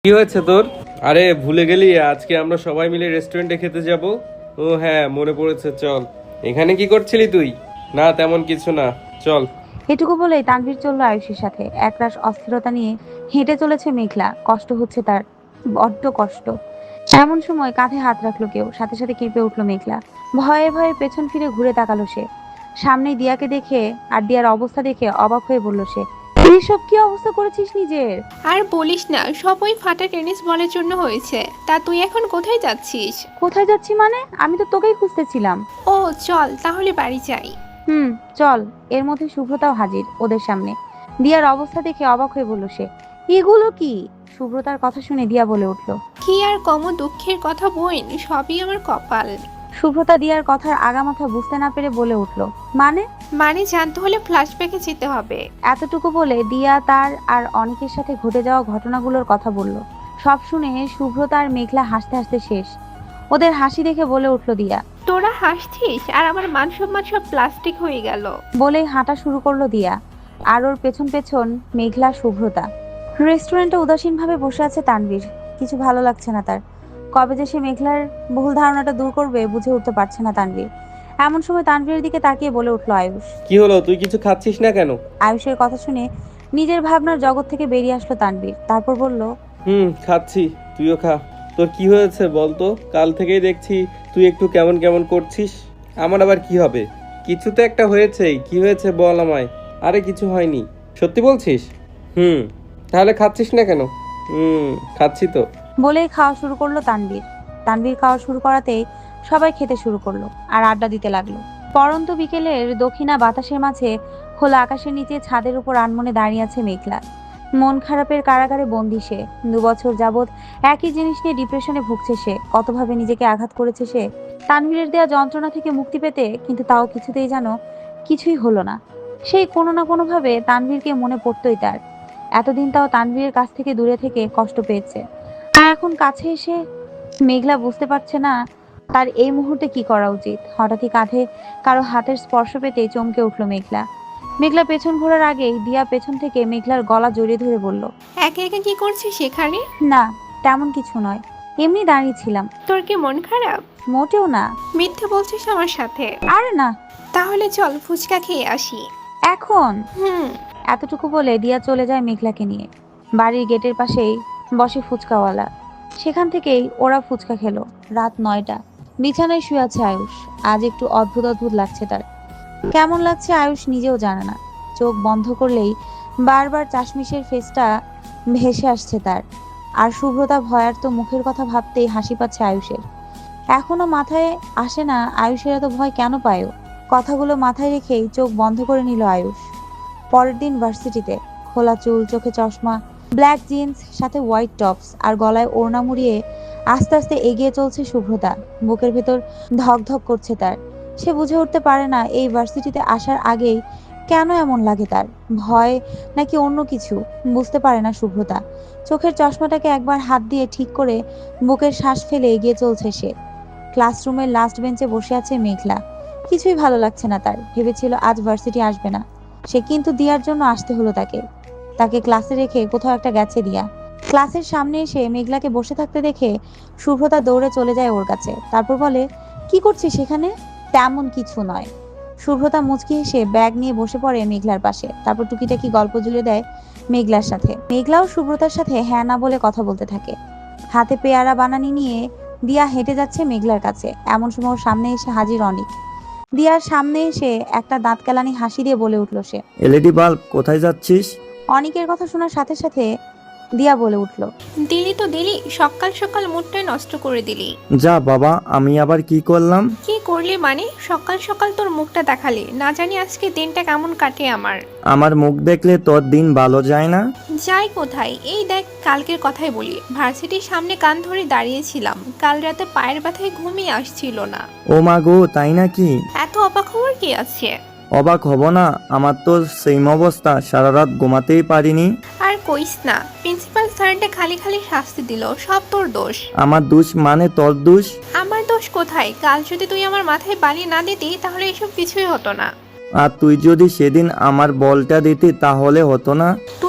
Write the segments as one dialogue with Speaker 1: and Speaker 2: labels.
Speaker 1: কি হয়েছে তোর? আরে ভুলে গেলি আজকে আমরা সবাই মিলে রেস্টুরেন্টে খেতে যাব। ও হ্যাঁ, মনে পড়েছে, চল। এখানে কি করছিলি তুই? না তেমন কিছু না, চল।
Speaker 2: এটুকু বলেই তানভীর চলল আয়ুষের সাথে। একরাশ অস্থিরতা নিয়ে হেঁটে চলেছে মেঘলা। কষ্ট হচ্ছে তার, বড্ড কষ্ট। এমন সময় কাঁধে হাত রাখলো কেউ, সাথে সাথে কেঁপে উঠলো মেঘলা। ভয়ে ভয়ে পেছন ফিরে ঘুরে তাকালো সে। সামনে দিয়াকে দেখে আর দিয়ার অবস্থা দেখে অবাক হয়ে বলল সে, এসব কি অবস্থা করেছিস নিজের?
Speaker 3: আর বলিস না, সব ওই ফাটা টেনিস বলের জন্য হয়েছে। তা তুই এখন কোথায় যাচ্ছিস?
Speaker 2: কোথায় যাচ্ছি মানে? আমি তো তোকেই খুঁজতেছিলাম।
Speaker 3: ও চল তাহলে বাড়ি যাই।
Speaker 2: হুম, চল। এর মধ্যে শুভ্রতাও হাজির ওদের সামনে। দিয়ার অবস্থা দেখে অবাক হয়ে বলল সে, এগুলো কি? শুভ্রতার কথা শুনে দিয়া বলে উঠল।
Speaker 3: কি আর কম দুঃখের কথা বোন, সবই আমার কপাল।
Speaker 2: শুভ্রতা দিয়ার কথার আগামাথা বুঝতে না পেরে বলে উঠল, মানে?
Speaker 3: মানে জানতে হলে ফ্ল্যাশব্যাকে যেতে হবে।
Speaker 2: এতটুকু বলে দিয়া তার আর অনেকের সাথে ঘটে যাওয়া ঘটনাগুলোর কথা বলল। সব শুনে শুভ্রতা আর মেঘলা হাসতে হাসতে শেষ। ওদের হাসি দেখে বলে উঠল দিয়া।
Speaker 3: তোরা হাসছিস আর আমার মান সম্মান সব প্লাস্টিক হয়ে গেল।
Speaker 2: বলেই হাঁটা শুরু করলো দিয়া। আর ওর পেছন পেছন মেঘলা, শুভ্রতা। রেস্টুরেন্টে উদাসীনভাবে বসে আছে তানভীর। কিছু ভালো লাগছে না তার। কবে যে সে মেঘলার ভুল ধারণাটা দূর করবে বুঝে উঠতে পারছে না তানভীর। এমন সময় তানভীরের দিকে তাকিয়ে বলে উঠল আয়ুষ।
Speaker 1: কি হলো, তুই কিছু খাচ্ছিস না কেন?
Speaker 2: আয়ুষের কথা শুনে নিজের ভাবনার জগৎ থেকে বেরিয়ে আসলো তানভীর। তারপর বলল,
Speaker 1: খাচ্ছি, তুইও খা। তোর কি হয়েছে বলতো? কাল থেকেই দেখছি তুই একটু কেমন কেমন করছিস। আমার আবার কি হবে? কিছু তো একটা হয়েছেই, কি হয়েছে বল আমায়। আরে কিছু হয়নি। সত্যি বলছিস? হুম। তাহলে খাচ্ছিস না কেন? খাচ্ছি তো।
Speaker 2: বলেই খাওয়া শুরু করলো তানভীর। তানভীর খাওয়া শুরু করাতেই সবাই খেতে শুরু করলো আর আড্ডা দিতে লাগলো। পরন্ত বিকেলের দক্ষিণা বাতাসের মাঝে খোলা আকাশের নিচে ছাদের উপর আনমনে দাঁড়িয়ে আছে মেঘলা। মন খারাপের কারাগারে বন্দি সে। 2 বছর যাবৎ একই জিনিস নিয়ে ডিপ্রেশনে ভুগছে সে। কতভাবে নিজেকে আঘাত করেছে সে তানভীরের দেয়া যন্ত্রণা থেকে মুক্তি পেতে, কিন্তু তাও কিছুতেই যেন কিছুই হলো না। সেই কোনো না কোনো ভাবে তানভীরকে মনে পড়তই তার। এতদিন তাও তানভীরের কাছ থেকে দূরে থেকে কষ্ট পেয়েছে, আর এখন কাছে এসে মেঘলা বুঝতে পারছে না তার এই মুহূর্তে কি করা উচিত। হঠাৎই কাঁধে কারো হাতের স্পর্শ পেতে চমকে উঠল মেঘলা। মেঘলা পেছন ঘোরার আগেই দিয়া পেছন থেকে মেঘলার গলা জড়িয়ে ধরে বলল,
Speaker 3: একে একে কি করছিস সেখানে?
Speaker 2: না, তেমন কিছু নয়, এমনি দাঁড়িয়েছিলাম।
Speaker 3: তোর কি মন খারাপ?
Speaker 2: মোটেও না।
Speaker 3: মিথ্যে বলছিস আমার সাথে?
Speaker 2: আরে না।
Speaker 3: তাহলে চল ফুচকা খেয়ে আসি।
Speaker 2: এখন?
Speaker 3: হুম।
Speaker 2: এতটুকু বলে দিয়া চলে যায় মেঘলাকে নিয়ে। বাড়ির গেটের পাশেই বসে ফুচকাওয়ালা। সেখান থেকেই ওরা ফুচকা খেলো। রাত 9টা। বিছানায় শুয়ে আছে আয়ুষ। আজ একটু অদ্ভুত অদ্ভুত লাগছে তার। কেমন লাগছে আয়ুষ নিজেও জানে না। চোখ বন্ধ করলেই বারবার চাশমিশের ফেসটা ভেসে আসছে তার। আর শুভ্রতা ভয়ার্ত মুখের কথা ভাবতেই হাসি পাচ্ছে আয়ুষের। এখনো মাথায় আসে না আয়ুষের এত ভয় কেন পায় ও। কথাগুলো মাথায় রেখেই চোখ বন্ধ করে নিল আয়ুষ। পরের দিন ভার্সিটিতে। খোলা চুল, চোখে চশমা, ব্ল্যাক জিন্স, সাথে হোয়াইট টপস আর গলায় ওড়না মুড়িয়ে আস্তে আস্তে এগিয়ে চলছে শুভ্রতা। বুকের ভেতর ধক ধক করছে তার। সে বুঝে উঠতে পারে না এই ভার্সিটিতে আসার আগেই কেন এমন লাগে তার। ভয় নাকি অন্য কিছু বুঝতে পারে না শুভ্রতা। চোখের চশমাটাকে একবার হাত দিয়ে ঠিক করে বুকের শ্বাস ফেলে এগিয়ে চলছে সে। ক্লাসরুমের লাস্ট বেঞ্চে বসে আছে মেঘলা। কিছুই ভালো লাগছে না তার। ভেবেছিল আজ ভার্সিটি আসবে না সে, কিন্তু দিয়ার জন্য আসতে হলো তাকে। তাকে ক্লাসে রেখে কোথাও একটা গেছে দিয়া। ক্লাসের সামনে এসে মেঘলাকে বসে থাকতে দেখে শুভ্রতা দৌড়ে চলে যায় ওর কাছে। তারপর বলে, কি করছিস সেখানে? তেমন কিছু নয়। শুভ্রতা মুচকি হেসে ব্যাগ নিয়ে বসে পড়ে মেঘলার পাশে। তারপর টুকিটাকি গল্প জুড়ে দেয় মেঘলার সাথে। মেঘলাও শুভ্রতার সাথে হ্যাঁ না বলে কথা বলতে থাকে। হাতে পেয়ারা বানানি নিয়ে দিয়া হেঁটে যাচ্ছে মেঘলার কাছে। এমন সময় ওর সামনে এসে হাজির অনিক। দিয়ার সামনে এসে একটা দাঁত কেলানি হাসি দিয়ে বলে উঠল সে।
Speaker 4: এলইডি বাল্ব, কোথায় যাচ্ছিস?
Speaker 2: অনিকের কথা শোনার সাথে সাথে দিয়া বলে উঠল,
Speaker 3: দিলি তো দিলি, সকাল সকাল মুডটাই নষ্ট করে দিলি।
Speaker 4: যা বাবা, আমি আবার কি করলাম?
Speaker 3: কি করলি মানে? সকাল সকাল তোর মুখটা দেখালি, না জানি আজকে দিনটা কেমন কাটে আমার।
Speaker 4: আমার মুখ দেখলে তোর দিন ভালো যায় না?
Speaker 3: যাই কোথায়? এই দেখ, কালকের কথাই বলি। ভার্সিটির সামনে কান ধরে দাঁড়িয়েছিলাম, কাল রাতে পায়ের ব্যথায় ঘুমিয়ে আসছিল না।
Speaker 4: ও মা গো, তাই নাকি?
Speaker 3: এত অবাক হওয়ার কি আছে?
Speaker 4: অবাক হব না? আমার তো সেম অবস্থা, সারা রাত ঘুমাতেই পারিনি।
Speaker 3: আর কইস না, প্রিন্সিপাল স্যারটা খালি খালি শাস্তি দিল, সব তোর দোষ।
Speaker 4: আমার দোষ মানে তোর দোষ?
Speaker 3: আমার দোষ কোথায়? কাল যদি তুই আমার মাথায় বালি না দিতি তাহলে এসব কিছুই হতো না।
Speaker 4: আর তুই যদি সেদিন আমার বলটা দিতি তাহলে হতো না।
Speaker 3: তুই আমার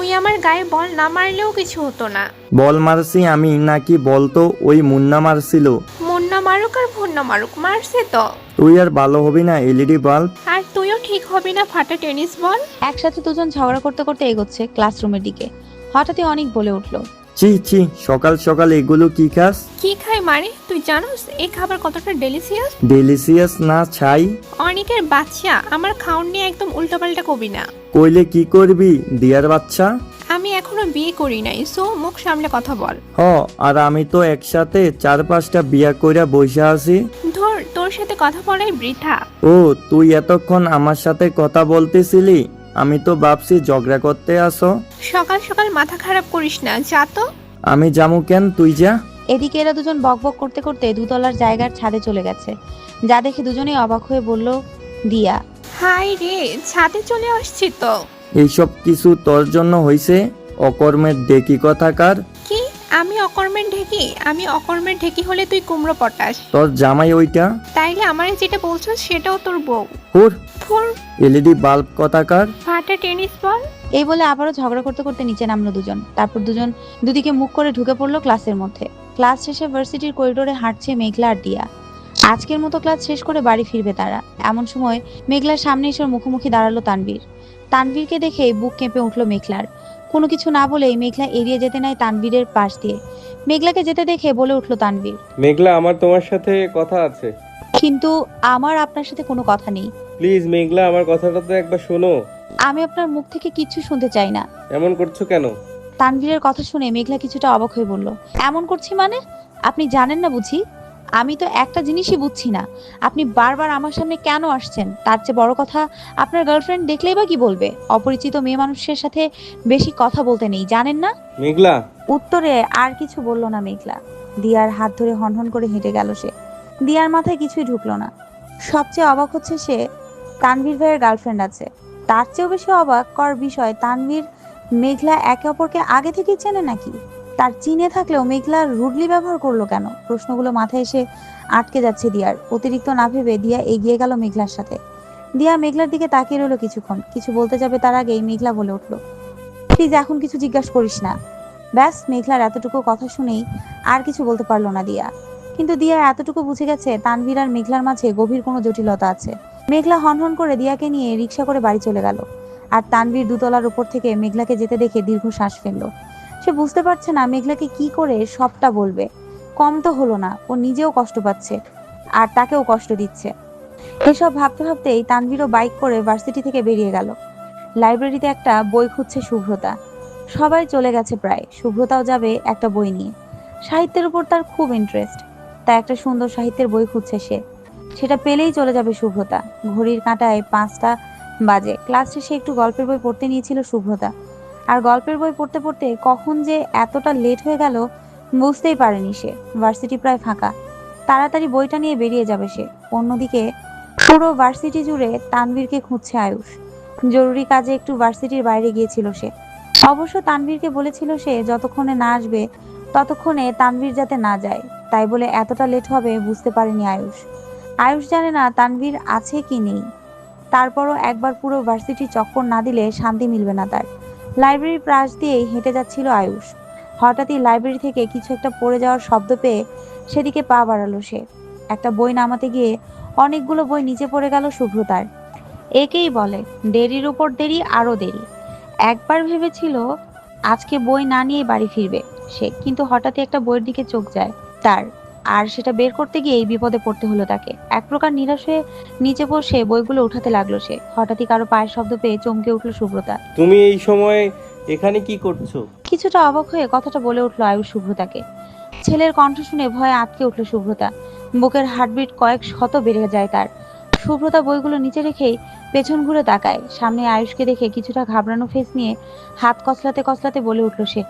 Speaker 3: গায়ে বল না মারলেও কিছু হতো না।
Speaker 4: বল মারছি আমি নাকি বলতো ওই মুন্না মারছিল?
Speaker 3: মুন্না মারুক আর ভুন্না মারুক, মারছে তো।
Speaker 4: তুই আর ভালো হবি না এলইডি বাল্ব।
Speaker 3: আর তুইও ঠিক হবি না ফাটা টেনিস বল।
Speaker 2: একসাথে দুজন ঝগড়া করতে করতে এগোচ্ছে ক্লাসরুমের দিকে। হঠাৎই অনেক বলে উঠলো,
Speaker 4: ছি ছি, সকাল সকাল এগুলো কি খাস?
Speaker 3: কি খাই মানে তুই জানোস এই খাবার কতটা ডেলিসিয়াস?
Speaker 4: ডেলিসিয়াস না ছাই?
Speaker 3: অনেকের বাচ্চা, আমার খাওন নিয়ে একদম উল্টোপাল্টা কবি না।
Speaker 4: কইলে কি করবি দিয়ার বাচ্চা?
Speaker 3: আমি এখনো বিয়ে করি নাই, সো মুখ সামলে কথা বল।
Speaker 4: হ, আর আমি তো একসাথে 4-5টা বিয়া কইরা বইসা আছি।
Speaker 3: ধর, তোর সাথে কথা বলাই বৃথা।
Speaker 4: ও, তুই এতক্ষণ আমার সাথে কথা বলতেছিলি? আমি তো ভাবছি ঝগড়া করতে আসো।
Speaker 3: সকাল সকাল মাথা খারাপ করিস না, যা তো।
Speaker 4: আমি যামু কেন, তুই যা।
Speaker 2: এদিকে এরা দুজন বকবক করতে করতে দুতলার জায়গার ছাদে চলে গেছে। যা দেখে দুজনেই অবাক হয়ে বলল, দিয়া।
Speaker 3: হাই রে, ছাদে চলে আসছি তো।
Speaker 4: এইসব কিছু তোর জন্য হইছে? অকর্মের ডেকি কথাকার।
Speaker 3: কি? আমি অকর্মের ঢেকি? আমি অকর্মের ঢেকি হলে তুই কুমড়ো পটাস।
Speaker 4: তোর জামাই ওইটা?
Speaker 3: তাইলে আমারে যেটা বলছো সেটাও তোর বউ।
Speaker 4: হুর,
Speaker 3: থুর,
Speaker 4: এলইডি বাল্ব কথাকার।
Speaker 3: ফাটা টেনিস বল।
Speaker 2: এই বলে আবারও ঝগড়া করতে করতে নিচে নামলো দুজন। তারপর দুজন দুদিকে মুখ করে ঢুকে পড়লো ক্লাসের মধ্যে। ক্লাস শেষে ভার্সিটির করিডোরে হাঁটছে মেঘলা আর দিয়া। আজকের মতো ক্লাস শেষ করে বাড়ি ফিরবে তারা। এমন সময় মেঘলার সামনে এসে ওর মুখোমুখি দাঁড়ালো তানভীর। তানভীরকে দেখে বুক কেঁপে উঠলো মেঘলার। কোনো কিছু না বলেই মেঘলা এড়িয়ে যেতে নেয় তানভীরের পাশ দিয়ে। মেঘলাকে যেতে দেখে বলে উঠলো তানভীর,
Speaker 1: মেঘলা, আমার তোমার সাথে কথা আছে।
Speaker 2: কিন্তু আমার আপনার সাথে কোনো কথা নেই।
Speaker 1: প্লিজ মেঘলা, আমার কথাটা তো একবার শোনো।
Speaker 2: আমি আপনার মুখ থেকে কিচ্ছু শুনতে চাই না।
Speaker 1: এমন করছো কেন?
Speaker 2: তানভীরের কথা শুনে মেঘলা কিছুটা অবাক হয়ে বলল, এমন করছি মানে? আপনি জানেন না বুঝি? আমি তো একটা জিনিসই বুঝছি না, আপনি বারবার আমার সামনে কেন আসছেন? তার চেয়ে বড় কথা, আপনার গার্লফ্রেন্ড দেখলেই বা কি বলবে? অপরিচিত মেয়ে মানুষের সাথে বেশি কথা বলতে নেই, জানেন না?
Speaker 1: মেঘলা।
Speaker 2: উত্তরে আর কিছু বলল না মেঘলা। দিয়ার হাত ধরে হনহন করে হেঁটে গেল সে। দিয়ার মাথায় কিছুই ঢুকলো না। সবচেয়ে অবাক হচ্ছে সে তানভীর ভাইয়ের গার্লফ্রেন্ড আছে। তার চেয়েও বেশি অবাক কর বিষয়, তানভীর মেঘলা একে অপরকে আগে থেকেই চেনে নাকি? তার চিনে থাকলেও মেঘলা রুডলি ব্যবহার করলো কেন? প্রশ্নগুলো মাথায় এসে আটকে যাচ্ছে দিয়ার। অতিরিক্ত না ভেবে দিয়া এগিয়ে গেল মেঘলার সাথে। দিয়া মেঘলার দিকে তাকিয়ে রইল কিছুক্ষণ। কিছু বলতে যাবে তার আগেই মেঘলা বলে উঠলো, প্লিজ এখন কিছু জিজ্ঞাসা করিস না। ব্যাস, মেঘলার এতটুকু কথা শুনেই আর কিছু বলতে পারলো না দিয়া। কিন্তু দিয়া এতটুকু বুঝে গেছে তানভীর আর মেঘলার মাঝে গভীর কোনো জটিলতা আছে। মেঘলা হনহন করে দিয়াকে নিয়ে রিক্সা করে বাড়ি চলে গেল। আর তানভীর দুতলার উপর থেকে মেঘলাকে যেতে দেখে দীর্ঘ শ্বাস ফেললো। সে বুঝতে পারছে না মেঘলাকে কি করে সবটা বলবে। কম তো হলো না, ও নিজেও কষ্ট পাচ্ছে আর তাকেও কষ্ট দিচ্ছে। এসব ভাবতে ভাবতেই তানভীরও বাইক করে ভার্সিটি থেকে বেরিয়ে গেল। লাইব্রেরিতে একটা বই খুঁজছে শুভ্রতা। সবাই চলে গেছে প্রায়, শুভ্রতাও যাবে একটা বই নিয়ে। সাহিত্যের উপর তার খুব ইন্টারেস্ট, তাই একটা সুন্দর সাহিত্যের বই খুঁজছে সে। সেটা পেলেই চলে যাবে শুভ্রতা। ঘড়ির কাঁটায় 5টা বাজে। ক্লাস শেষে একটু গল্পের বই পড়তে নিয়েছিল শুভ্রতা। আর গল্পের বই পড়তে পড়তে কখন যে এতটা লেট হয়ে গেল বুঝতেই পারেনি সে। ভার্সিটি প্রায় ফাঁকা, তাড়াতাড়ি বইটা নিয়ে বেরিয়ে যাবে সে। অন্যদিকে পুরো ভার্সিটি জুড়ে তানভীরকে খুঁজছে আয়ুষ। জরুরি কাজে একটু ভার্সিটির বাইরে গিয়েছিল সে। অবশ্য তানভীরকে বলেছিল সে যতক্ষণে না আসবে ততক্ষণে তানভীর যাতে না যায়, তাই বলে এতটা লেট হবে বুঝতে পারেনি আয়ুষ। আয়ুষ জানে না তানভীর আছে কি নেই। তারপরও একবার পুরো ভার্সিটি চক্কর না দিলে শান্তি মিলবে না তার। লাইব্রেরির পাশ দিয়েই হেঁটে যাচ্ছিল আয়ুষ। হঠাৎই লাইব্রেরি থেকে কিছু একটা পড়ে যাওয়ার শব্দ পেয়ে সেদিকে পা বাড়ালো সে। একটা বই নামাতে গিয়ে অনেকগুলো বই নিচে পড়ে গেল শুভ্রতার। একেই বলে দেরির উপর দেরি আরো দেরি। একবার ভেবেছিল আজকে বই না নিয়ে বাড়ি ফিরবে সে, কিন্তু হঠাৎই একটা বইয়ের দিকে চোখ যায় তার। আর সেটা বের করতে গিয়েই বিপদে পড়তে হলো তাকে। এক প্রকার নিরাশ হয়ে নিচে বসে বইগুলো উঠাতে লাগলো সে। হঠাৎই কারো পায়ের শব্দ পেয়ে চমকে উঠলো শুভ্রতা।
Speaker 1: তুমি এই সময় এখানে কি করছো?
Speaker 2: কিছুটা অবাক হয়ে কথাটা বলে উঠলো আয়ুষ শুভ্রতাকে। ছেলের কণ্ঠ শুনে ভয়ে আটকে উঠলো শুভ্রতা। বুকের হার্টবিট কয়েক শত বেড়ে যায় তার। শুভ্রতা বইগুলো নিচে রেখেই পেছন ঘুরে তাকায়। সামনে আয়ুষকে দেখে কিছুটা ঘাবড়ানো ফেস নিয়ে হাত কসলাতে কসলাতে বলে উঠলো সে,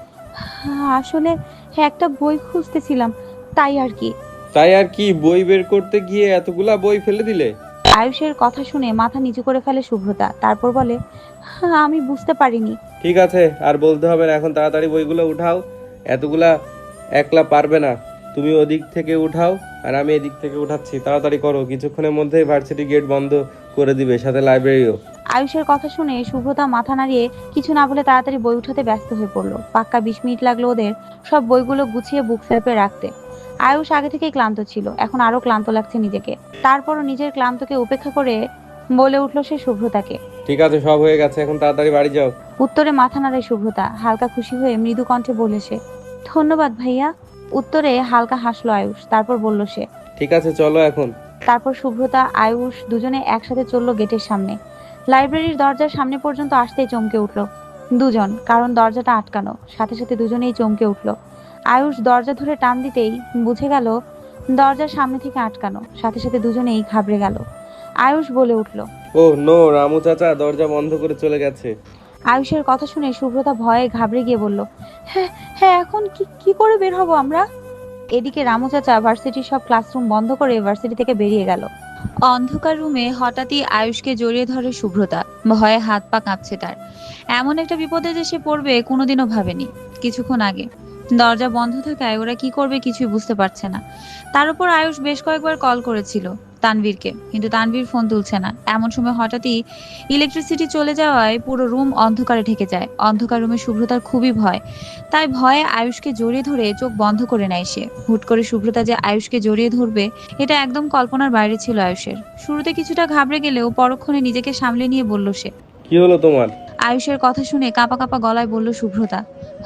Speaker 2: আসলে একটা বই খুঁজতেছিলাম, তাই আর কি।
Speaker 1: তাই আর কি? বই বের করতে গিয়ে এতগুলা বই ফেলে দিলে?
Speaker 2: আয়ুষের কথা শুনে মাথা নিচু করে ফেলে শুভ্রতা। তারপর বলে, আমি বুঝতে পারিনি।
Speaker 1: ঠিক আছে, আর বলতে হবে না, এখন তাড়াতাড়ি বইগুলো উঠাও। এতগুলা একলা পারবে না, তুমি ওদিক থেকে উঠাও আর আমি এদিক থেকে উঠাচ্ছি। তাড়াতাড়ি করো, কিছুক্ষণের মধ্যেই ভার্সিটি গেট বন্ধ করে দিবে, সাথে লাইব্রেরিও।
Speaker 2: আয়ুষের কথা শুনে শুভ্রতা মাথা নাড়িয়ে কিছু না বলে তাড়াতাড়ি বই উঠাতে ব্যস্ত হয়ে পড়লো। পাক্কা 20 মিনিট লাগলো ওদের সব বইগুলো গুছিয়ে বুক সেলফে রাখতে। আয়ুষ আগে থেকেই ক্লান্ত ছিল, এখন আরো ক্লান্ত লাগছে নিজেকে। তারপরও নিজের ক্লান্তকে উপেক্ষা করে বলে উঠলো সে শুভ্রতাকে।
Speaker 1: ঠিক আছে, সব হয়ে গেছে, এখন তাড়াতাড়ি বাড়ি যাও।
Speaker 2: উত্তরে মাথা নাড়ায় শুভ্রতা। হালকা খুশি হয়ে মৃদু কণ্ঠে বলে সে, ধন্যবাদ ভাইয়া। উত্তরে হালকা হাসলো আয়ুষ, তারপর বলল সে।
Speaker 1: ঠিক আছে, চলো এখন।
Speaker 2: তারপর শুভ্রতা আয়ুষ দুজনে একসাথে চলল গেটের সামনে। লাইব্রেরির দরজার সামনে পর্যন্ত আসতেই চমকে উঠল দুজন, কারণ দরজাটা আটকানো। সাথে সাথে দুজনেই চমকে উঠল। আয়ুষ দরজা ধরে টান দিতেই বুঝে গেল দরজার সামনে থেকে আটকানো। সাথে সাথে দুজনেই ঘাবড়ে গেল। আয়ুষ বলে উঠল।
Speaker 1: ও নো, রামু চাচা দরজা বন্ধ করে চলে গেছে।
Speaker 2: আয়ুষের কথা শুনে শুভ্রতা ভয়ে ঘাবড়ে গিয়ে বলল, হ্যাঁ হ্যাঁ, এখন কি কি করে বের হব আমরা? এদিকে রামু চাচা ভার্সিটির সব ক্লাসরুম বন্ধ করে ভার্সিটি থেকে বেরিয়ে গেল। অন্ধকার রুমে হঠাৎই আয়ুষকে জড়িয়ে ধরে শুভ্রতা। ভয়ে হাত পা কাঁপছে তার। এমন একটা বিপদে যে সে পড়বে কোনোদিনও ভাবেনি। কিছুক্ষণ আগে দরজা বন্ধ থাকায় ওরা কি করবে কিছুই বুঝতে পারছে না। তার উপর আয়ুষ বেশ কয়েকবার কল করেছিল তানভীরকে, কিন্তু তানভীর ফোন তুলছে না। এমন সময় হঠাৎই ইলেকট্রিসিটি চলে যাওয়ায় পুরো রুম অন্ধকারে ঢেকে যায়। অন্ধকার রুমে শুভ্রতার খুবই ভয়, তাই ভয়ে আয়ুষকে জড়িয়ে ধরে চোখ বন্ধ করে নেয় সে। হুট করে শুভ্রতা যে আয়ুষকে জড়িয়ে ধরবে এটা একদম কল্পনার বাইরে ছিল আয়ুষের। শুরুতে কিছুটা ঘাবড়ে গেলেও পরক্ষণে নিজেকে সামলে নিয়ে বলল সে।
Speaker 1: কি হলো তোমার?
Speaker 2: আয়ুষের কথা শুনে কাঁপা কাঁপা গলায় বলল শুভ্রতা,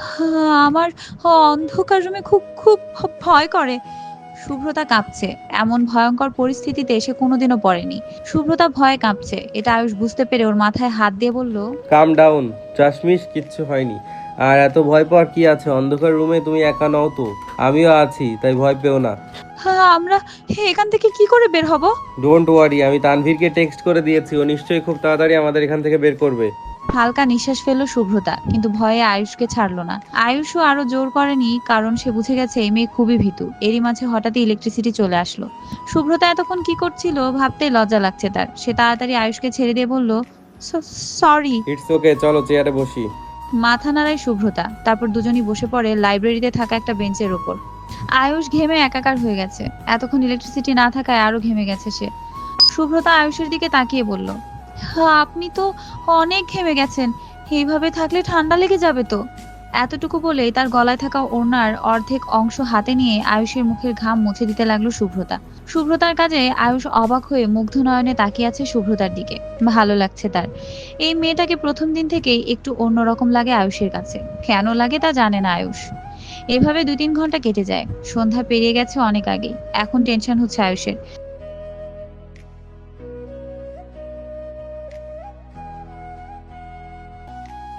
Speaker 2: আমার অন্ধকার রুমে খুব খুব ভয় করে। শুভ্রতা কাঁপছে। এমন ভয়ঙ্কর পরিস্থিতিতে সে কোনোদিনও পড়েনি। শুভ্রতা ভয়ে কাঁপছে, এটা আয়ুষ বুঝতে পেরে ওর মাথায় হাত দিয়ে বলল,
Speaker 1: কাম ডাউন, চাশমিশ, কিচ্ছু হয়নি। আর এত ভয় পাওয়ার কি আছে? অন্ধকার রুমে তুমি একা নও তো, আমিও আছি, তাই ভয় পেও না।
Speaker 2: আমরা এখান থেকে কি করে বের হব?
Speaker 1: ডোন্ট ওয়ারি, আমি তানভীরকে টেক্সট করে দিয়েছি, ও নিশ্চয়ই খুব তাড়াতাড়ি আমাদের এখান থেকে বের করবে।
Speaker 2: হালকা নিঃশ্বাস ফেলল শুভ্রতা, কিন্তু ভয়ে আয়ুষকে ছাড়লো না। আয়ুষও আরো জোর করেনি, কারণ সে বুঝে গেছে এই মেয়ে খুবই ভীতু। এরই মাঝে হঠাৎই ইলেকট্রিসিটি চলে আসলো। শুভ্রতা এতক্ষণ কি করছিল ভাবতেই লজ্জা লাগছে তার। সে তাড়াতাড়ি আয়ুষকে ছেড়ে দিয়ে বলল, সরি।
Speaker 1: ইটস ওকে, চলো চেয়ারে বসি।
Speaker 2: মাথা নাড়ায় শুভ্রতা। তারপর দুজনই বসে পড়ে লাইব্রেরিতে থাকা একটা বেঞ্চের ওপর। আয়ুষ ঘেমে একাকার হয়ে গেছে। এতক্ষণ ইলেকট্রিসিটি না থাকায় আরো ঘেমে গেছে সে। শুভ্রতা আয়ুষের দিকে তাকিয়ে বলল, আপনি তো অনেক ঘেমে গেছেন, এইভাবে থাকলে ঠান্ডা লেগে যাবে তো। এতটুকু বলেই তার গলায় থাকা ওড়নার অর্ধেক অংশ হাতে নিয়ে আয়ুষের মুখের ঘাম মুছে দিতে লাগলো শুভ্রতা। শুভ্রতার কাজে আয়ুষ অবাক হয়ে মুগ্ধ নয়নে তাকিয়ে আছে শুভ্রতার দিকে। ভালো লাগছে তার। এই মেয়েটাকে প্রথম দিন থেকেই একটু অন্যরকম লাগে আয়ুষের কাছে। কেন লাগে তা জানে না আয়ুষ। এভাবে 2-3 ঘন্টা কেটে যায়। সন্ধ্যা পেরিয়ে গেছে অনেক আগেই। এখন টেনশন হচ্ছে আয়ুষের।